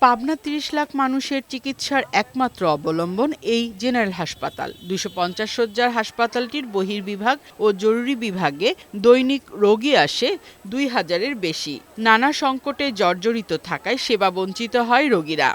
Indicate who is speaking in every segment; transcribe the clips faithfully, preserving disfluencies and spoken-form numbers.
Speaker 1: পাবনা ত্রিশ লাখ মানুষের চিকিৎসার একমাত্র অবলম্বন এই জেনারেল হাসপাতাল। দুইশো পঞ্চাশ শয্যার হাসপাতালটির বহির্বিভাগ ও জরুরি বিভাগে দৈনিক রোগী আসে দুই হাজারের বেশি। নানা সংকটে জর্জরিত থাকায় সেবা বঞ্চিত হয় রোগীরা।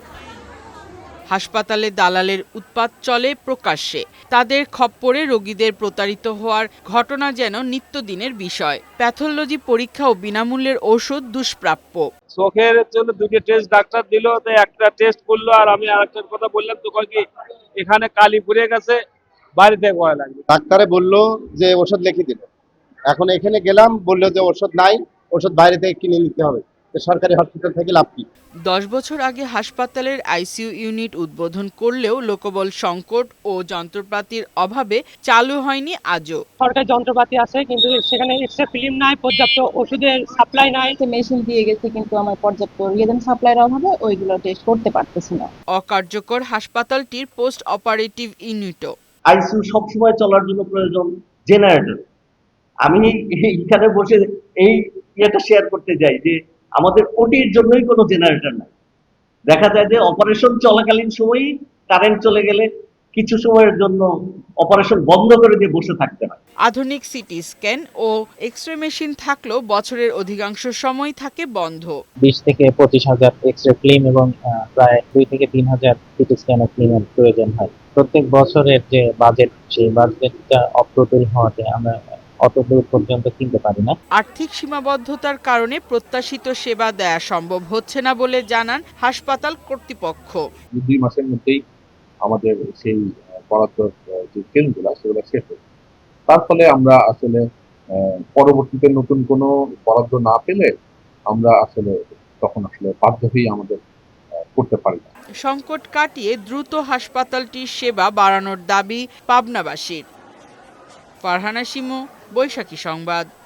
Speaker 1: হাসপাতালে দালালের উৎপাত চলে প্রকাশ্যে। তাদের খপ্পরে রোগীদের প্রতারিত হওয়ার ঘটনা যেন নিত্যদিনের বিষয়। প্যাথোলজি পরীক্ষা ও বিনামূল্যের ওষুধ দুষ্প্রাপ্য।
Speaker 2: চোখের জন্য দুটো টেস্ট ডাক্তার দিল, তো একটা টেস্ট করলো আর আমি আরেকটার কথা বললাম, তো কয় কি এখানে কালি পুড়ে গেছে, বাড়িতে কয় লাগবে।
Speaker 3: ডাক্তারে বললো যে ওষুধ লিখে দিল, এখন এখানে গেলাম বললো যে ওষুধ নাই, ওষুধ বাইরে থেকে কিনে নিতে হবে। সরকারি হসপিটাল থেকে লাভ কি?
Speaker 1: দশ বছর আগে হাসপাতালের আইসিইউ ইউনিট উদ্বোধন করলেও লোকবল সংকট ও যন্ত্রপাতির অভাবে চালু হয়নি আজও।
Speaker 4: সরকারি যন্ত্রপাতি আছে কিন্তু সেখানে এক্সট্রা ফিল্ম নাই, পর্যাপ্ত ওষুধের সাপ্লাই নাই।
Speaker 5: মেশিন দিয়ে গেছে কিন্তু আমার পর্যাপ্ত রিয়েজেন সাপ্লাইয়ের অভাবে ওইগুলো টেস্ট করতে পারতেছি না।
Speaker 1: অকার্যকর হাসপাতালটির পোস্ট অপারেটিভ ইউনিটও।
Speaker 6: আইসিইউ সবসময় চলার জন্য প্রয়োজন জেনারেটর। আমি এখানে বসে এই ইয়েটা শেয়ার করতে যাই যে আমাদের ওটির জন্যই কোনো জেনারেটর নাই। দেখা যায় যে অপারেশন চলাকালীন সময়ই কারেন্ট চলে গেলে কিছু সময়ের জন্য অপারেশন বন্ধ করে দিয়ে বসে থাকতে হয়।
Speaker 1: আধুনিক সিটি স্ক্যান ও এক্স-রে মেশিন থাকলেও বছরের অধিকাংশ সময় থাকে বন্ধ।
Speaker 7: বিশ থেকে পঁচিশ হাজার এক্স-রে ফিল্ম এবং প্রায় দুই থেকে তিন হাজার সিটি স্ক্যান ফিল্মের প্রয়োজন হয়। প্রত্যেক বছরের যে বাজেট, সেই বাজেটটা অপ্রতুল হওয়াতে আমরা অত দূর পর্যন্ত কিনতে পারি না।
Speaker 1: আর্থিক সীমাবদ্ধতার কারণে প্রত্যাশিত সেবা দেয়া সম্ভব হচ্ছে না বলে জানান হাসপাতাল কর্তৃপক্ষ।
Speaker 8: দুই মাসের মধ্যেই আমাদের সেই বরাদ্দ যে ফিল্মগুলো সেগুলো শেষ হয়েছে। তার ফলে আমরা আসলে পরবর্তীতে নতুন কোনো বরাদ্দ না পেলে আমরা আসলে তখন আসলে বাধ্য হয়ে আমাদের করতে পারি না।
Speaker 1: সংকট কাটিয়ে দ্রুত হাসপাতালটির সেবা বাড়ানোর দাবি পাবনাবাসীর। ফারহানা শিমু, বৈশাখী সংবাদ।